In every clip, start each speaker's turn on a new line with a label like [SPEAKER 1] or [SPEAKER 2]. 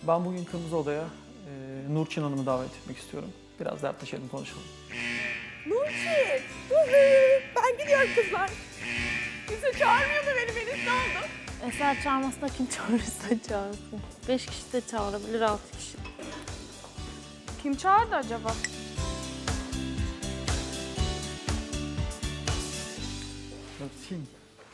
[SPEAKER 1] Ben bugün Kırmızı Oda'ya Nurçin Hanım'ı davet etmek istiyorum. Biraz dertleşelim, konuşalım.
[SPEAKER 2] Nurçin! Ben gidiyorum kızlar. Kimse çağırmıyordu beni ne oldu?
[SPEAKER 3] Eser çağırmasına kim çağırırsa çağırsın. 5 kişi de çağırabilir, 6 kişi.
[SPEAKER 2] Kim çağırdı acaba?
[SPEAKER 1] Nurçin.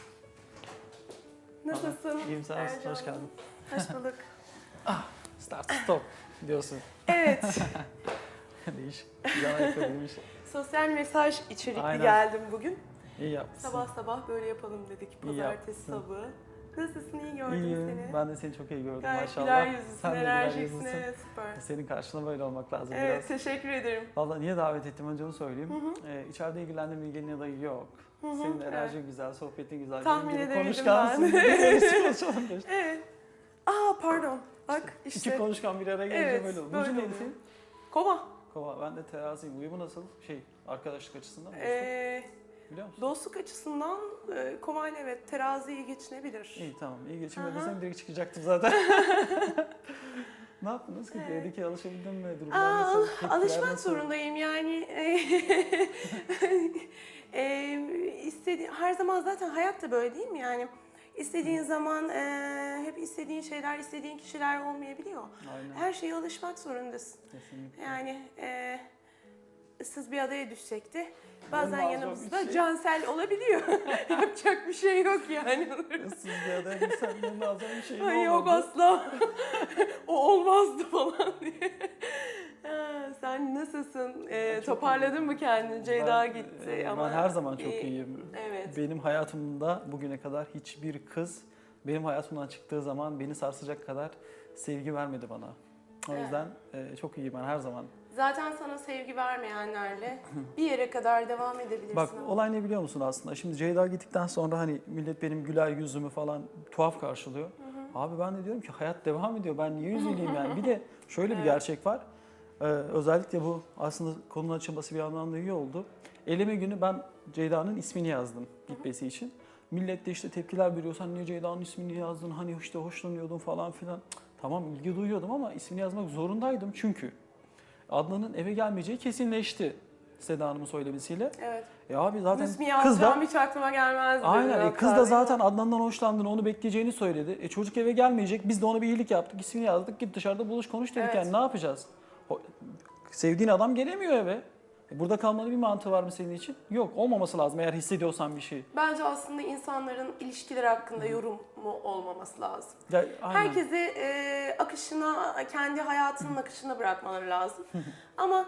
[SPEAKER 2] Nasılsın?
[SPEAKER 1] İyiyim, sen nasılsın? Hoş geldin.
[SPEAKER 2] Hoş bulduk.
[SPEAKER 1] Start stop diyorsun.
[SPEAKER 2] Evet.
[SPEAKER 1] Değiş. Güzel ayakkabıymış.
[SPEAKER 2] Sosyal mesaj içerikli
[SPEAKER 1] Aynen.
[SPEAKER 2] geldim bugün.
[SPEAKER 1] İyi yapmışsın.
[SPEAKER 2] Sabah sabah böyle yapalım dedik. Pazartesi sabahı. Nasılsın? İyi gördüm
[SPEAKER 1] İyiyim.
[SPEAKER 2] seni.
[SPEAKER 1] Ben de seni çok iyi gördüm
[SPEAKER 2] Gayet
[SPEAKER 1] maşallah.
[SPEAKER 2] güler yüzlüsün,
[SPEAKER 1] Sen de güler
[SPEAKER 2] enerjiksin.
[SPEAKER 1] yüzlüsün.
[SPEAKER 2] Evet, süper.
[SPEAKER 1] Senin karşına böyle olmak lazım
[SPEAKER 2] Evet,
[SPEAKER 1] biraz.
[SPEAKER 2] teşekkür ederim.
[SPEAKER 1] Valla niye davet ettim önce onu söyleyeyim. İçeride ilgilendiğim ilginin adayı yok. Senin enerjin güzel, sohbetin güzel.
[SPEAKER 2] Tahmin
[SPEAKER 1] Benim gibi
[SPEAKER 2] edebildim
[SPEAKER 1] konuşkansın.
[SPEAKER 2] ben.
[SPEAKER 1] Konuşalım.
[SPEAKER 2] Evet. Pardon. Bak işte.
[SPEAKER 1] İki konuşkan bir araya gelince
[SPEAKER 2] Evet,
[SPEAKER 1] böyle olur.
[SPEAKER 2] böyle
[SPEAKER 1] Burcu neydi
[SPEAKER 2] oluyor.
[SPEAKER 1] senin?
[SPEAKER 2] Kova.
[SPEAKER 1] Kova. Ben de teraziyim. Uyumu nasıl? Arkadaşlık açısından mı? Biliyor musun?
[SPEAKER 2] Dostluk açısından kovayla evet terazi iyi geçinebilir.
[SPEAKER 1] İyi tamam. İyi geçinmediysen direkt çıkacaktım zaten. Ne yaptınız ki? Evdeki alışabildin mi? Durumlar nasıl? Tepkiler
[SPEAKER 2] Alışmak
[SPEAKER 1] nasıl?
[SPEAKER 2] zorundayım yani. Her zaman zaten hayat da böyle değil mi yani? İstediğin zaman hep istediğin şeyler, istediğin kişiler olmayabiliyor.
[SPEAKER 1] Aynen.
[SPEAKER 2] Her şeye alışmak zorundasın.
[SPEAKER 1] Kesinlikle.
[SPEAKER 2] Yani ıssız bir adaya düşecekti. Bazen
[SPEAKER 1] Olmaz,
[SPEAKER 2] yanımızda
[SPEAKER 1] yok bir şey.
[SPEAKER 2] Cansel olabiliyor. Yapacak bir şey yok yani.
[SPEAKER 1] Issız bir adaya bilsen lazım bir şey
[SPEAKER 2] Ay yok
[SPEAKER 1] olmadı.
[SPEAKER 2] asla. O olmazdı falan diye. Sen nasılsın? Toparladın mı kendini? Ceyda gitti ama.
[SPEAKER 1] Ben her zaman çok iyiyim.
[SPEAKER 2] Evet.
[SPEAKER 1] Benim hayatımda bugüne kadar hiçbir kız benim hayatımdan çıktığı zaman beni sarsacak kadar sevgi vermedi bana. O yüzden çok iyiyim ben her zaman.
[SPEAKER 2] Zaten sana sevgi vermeyenlerle bir yere kadar devam edebilirsin.
[SPEAKER 1] Bak
[SPEAKER 2] ama.
[SPEAKER 1] olay ne biliyor musun aslında? Şimdi Ceyda gittikten sonra hani millet benim güler yüzümü falan tuhaf karşılıyor. Abi ben de diyorum ki hayat devam ediyor. Ben niye üzüleyim yani? Bir de şöyle bir gerçek var. Özellikle bu aslında konunun açılması bir anlamda iyi oldu. Eleme günü ben Ceyda'nın ismini yazdım gitmesi için. Millet de işte tepkiler veriyor. Sen niye Ceyda'nın ismini yazdın? Hani işte hoşlanıyordun falan filan. Tamam ilgi duyuyordum ama ismini yazmak zorundaydım çünkü Adnan'ın eve gelmeyeceği kesinleşti Seda Hanım'ın söylemesiyle.
[SPEAKER 2] Evet.
[SPEAKER 1] Abi zaten
[SPEAKER 2] İsmi
[SPEAKER 1] kız da
[SPEAKER 2] yazacağım hiç aklıma gelmezdi.
[SPEAKER 1] aynen kız da zaten Adnan'dan hoşlandığını, onu bekleyeceğini söyledi. Çocuk eve gelmeyecek. Biz de ona bir iyilik yaptık. İsmini yazdık. Git dışarıda buluş konuş dedik.
[SPEAKER 2] Evet.
[SPEAKER 1] Yani ne yapacağız? Sevdiğin adam gelemiyor eve. Burada kalmanın bir mantığı var mı senin için? Yok. Olmaması lazım eğer hissediyorsan bir şey.
[SPEAKER 2] Bence aslında insanların ilişkiler hakkında yorumu olmaması lazım.
[SPEAKER 1] Ya, aynen.
[SPEAKER 2] Herkesi akışına, kendi hayatının akışına bırakmaları lazım. Ama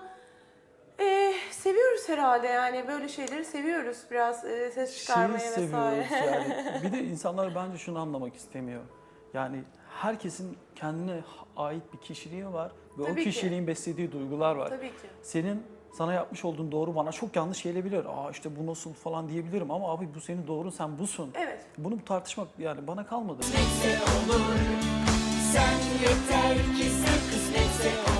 [SPEAKER 2] seviyoruz herhalde yani böyle şeyleri seviyoruz biraz ses çıkarmaya
[SPEAKER 1] Şeyi
[SPEAKER 2] vesaire.
[SPEAKER 1] seviyoruz yani. Bir de insanlar bence şunu anlamak istemiyor. Yani herkesin kendine ait bir kişiliği var ve
[SPEAKER 2] Tabii
[SPEAKER 1] o
[SPEAKER 2] ki.
[SPEAKER 1] kişiliğin beslediği duygular var.
[SPEAKER 2] Tabii ki.
[SPEAKER 1] Senin sana yapmış olduğun doğru bana çok yanlış gelebilir. İşte bu nasıl falan diyebilirim ama abi bu senin doğrun, sen busun.
[SPEAKER 2] Evet.
[SPEAKER 1] Bunu tartışmak yani bana kalmadı.
[SPEAKER 4] Kısmetse olur. Sen yeter ki sen kısmetse olur.